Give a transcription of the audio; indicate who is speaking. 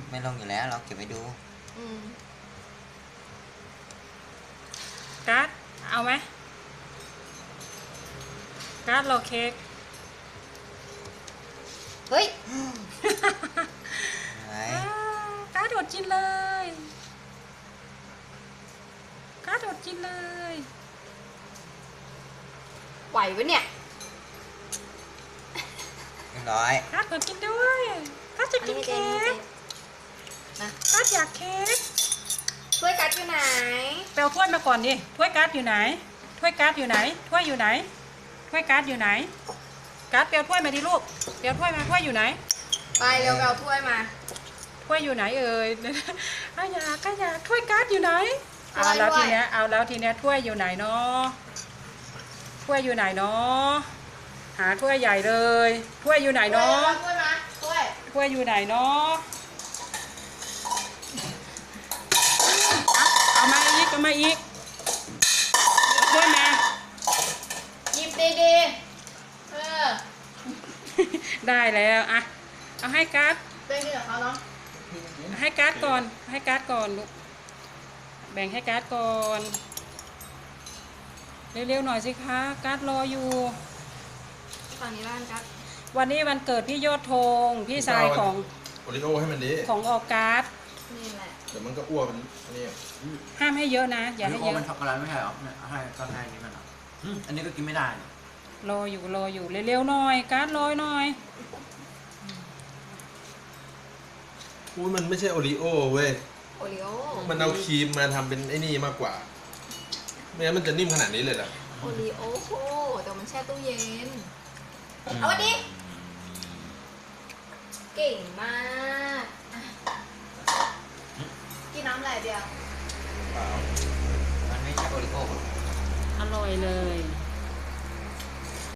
Speaker 1: ไม่ลงอยู่แล้วเราเก็บไว้ดู
Speaker 2: การ์ดเอาไหมการ์ดรอเค้ก
Speaker 3: เฮ้ย
Speaker 1: ไหน
Speaker 2: การ์ดอดกินเลยการ์ดอดกินเลย
Speaker 3: ไหวปะเนี่ย
Speaker 1: เรียบร้อย
Speaker 2: การ์ดอดกินด้วยการ์ดจะกินเค้ก
Speaker 3: นะ
Speaker 2: การ์ดอยากเค้ก
Speaker 3: ถ้วยกัดอยู่ไหน
Speaker 2: ไปเอาถ้วยมาก่อนดิถ้วยการ์ดอยู่ไหนถ้วยการ์ดอยู่ไหนถ้วยอยู่ไหนถ้วยการ์ดอยู่ไหนการ์ดเปียวถ้วยมาดิลูกเปียวถ้วยมาถ้วยอยู่ไหน
Speaker 3: ไปเร็วเอาถ้วยมา
Speaker 2: ถ้วยอยู่ไหนเอ่ยขยะถ้วยการ์ดอยู่ไหนเอาแล้วทีเนี้ยถ้วยอยู่ไหนเนาะถ้วยอยู่ไหนเนาะหาถ้วยใหญ่เลยถ้วยอยู่ไหนเนาะ
Speaker 3: ถ้วยมา
Speaker 2: ถ้วยอยู่ไหนเนาะเอามาอีกถ้วยมา
Speaker 3: หยิบดีๆ
Speaker 2: ได้แล้วอะเอาให้การ์ด
Speaker 3: เป็นที่ของเขาเนาะ
Speaker 2: ให้การ์ดก่อนลูกแบ่งให้การ์ดก่อนเร็วๆหน่อยสิคะการ์ดรออยู่
Speaker 3: ฝั่งนี้บ้านกัด
Speaker 2: วันนี้วันเกิดพี่ยอดธงพี่ชายของ
Speaker 4: โอริโอให้มันดี
Speaker 2: ของออกัส
Speaker 3: นี่แหละ
Speaker 4: เดี๋ยวมันก็อ้วนมันนี่
Speaker 2: ห้ามให้เยอะนะอย่าให้เยอะ
Speaker 5: มันช็อกโกแลตไม่ใช่หรอให้ก็ให้นี่มันอันนี้ก็กินไม่ได้
Speaker 2: รออยู่เร็วๆหน่อยการ์ดรอหน่อย
Speaker 4: มันไม่ใช่โอริโอเว้ย
Speaker 3: โอริโอ
Speaker 4: มันเอาครีมมาทำเป็นไอ้นี่มากกว่าไม่งั้นมันจะนิ่มขนาดนี้เลยเหรอ
Speaker 3: โอริโอโหแต่มันแช่ตู้เย็นเอาวันนี้เก่งมากกินน้ำอะไรเดียว
Speaker 1: มันไม่ใช่โอริโอ
Speaker 2: อร่อยเลย